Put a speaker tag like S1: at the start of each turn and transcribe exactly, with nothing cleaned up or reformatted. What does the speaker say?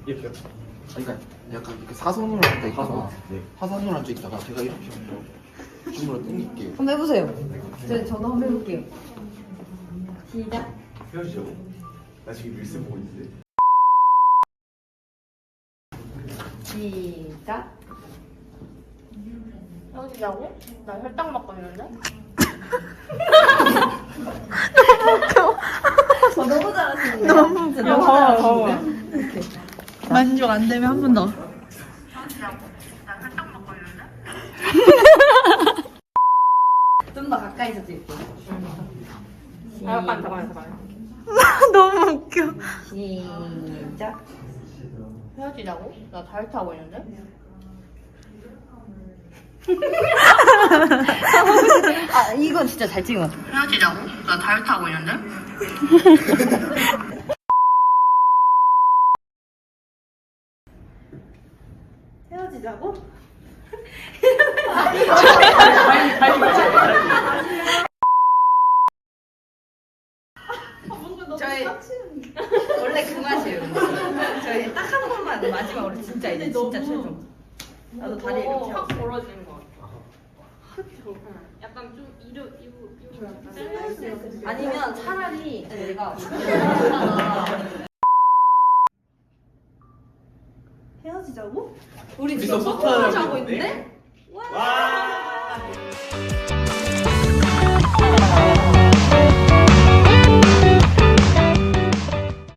S1: 이렇게요?
S2: 그러니까 약간 이렇게 사선으로 앉아 있다가
S1: 네.
S2: 사선으로 앉아 있다가 제가 이렇게 한번 줌으로 당길게요.
S3: 한번 해보세요. 저, 저도 한번 해볼게요. 시작.
S1: 헤어지자고? 나 지금 릴스 보고 있는데.
S3: 시작.
S4: 헤어지자고? 나 혈당 맞고 있는데?
S3: 어, 너무 잘하시는데.
S5: 너무
S3: 진짜
S4: 야,
S3: 너무
S4: 봐봐,
S3: 잘하시는데. 이렇게.
S5: 만족 안 되면 한 번 더.
S3: 좀 더 가까이서 찍을게요.
S4: 아, 잠깐, 잠깐, 잠깐.
S5: 너무 웃겨.
S3: 시작.
S4: 헤어지자고? 나 다이어트 하고 있는데?
S3: 아, 이건 진짜 잘 찍은 것 같아.
S4: 헤어지자고? 나 다이어트 하고 있는데?
S3: 헤어지자고? 저희 원래 그 맛이에요. 저희 딱 한 번만 마지막으로 진짜 이제 진짜 최종. 나도 다리 이렇게
S4: 확
S3: 하고.
S4: 벌어지는 것 같아. 약간 좀 이르, 이루, 이루.
S3: 아니면 차라리 내가 헤어지자고? 우리 지금
S1: 우리도
S3: 서포트 하고
S1: 서포트하고
S3: 있는데?
S1: 와!